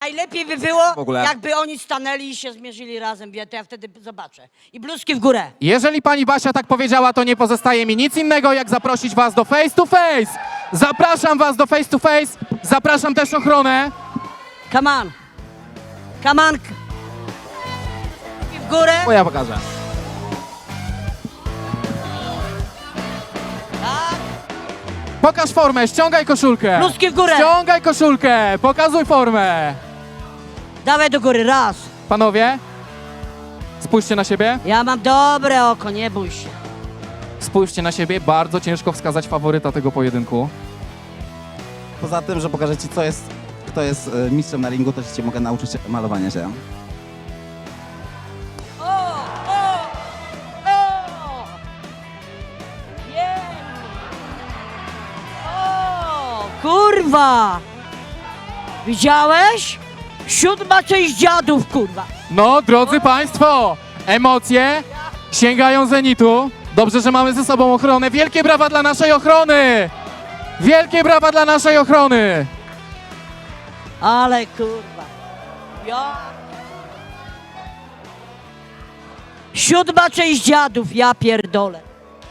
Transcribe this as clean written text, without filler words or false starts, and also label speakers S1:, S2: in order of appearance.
S1: Najlepiej by było,
S2: W ogóle.
S1: jakby oni stanęli i się zmierzyli razem, to ja wtedy zobaczę. I bluzki w górę.
S3: Jeżeli pani Basia tak powiedziała, to nie pozostaje mi nic innego, jak zaprosić was do face to face. Zapraszam was do face to face. Zapraszam też ochronę.
S1: Come on. Come on. I w górę.
S3: Bo ja pokażę.
S1: Tak.
S3: Pokaż formę, ściągaj koszulkę.
S1: Bluzki w górę.
S3: Ściągaj koszulkę, pokazuj formę.
S1: Dawaj do góry, raz.
S3: Panowie, spójrzcie na siebie.
S1: Ja mam dobre oko, nie bój się.
S3: Spójrzcie na siebie, bardzo ciężko wskazać faworyta tego pojedynku.
S2: Poza tym, że pokażę ci, kto jest mistrzem na ringu, też cię mogę nauczyć malowania się.
S1: O! Jej! O! Kurwa! Widziałeś? 7. część dziadów, kurwa.
S3: No, drodzy państwo, emocje sięgają zenitu. Dobrze, że mamy ze sobą ochronę. Wielkie brawa dla naszej ochrony! Wielkie brawa dla naszej ochrony!
S1: Ale kurwa. Ja... 7. część dziadów, ja pierdolę.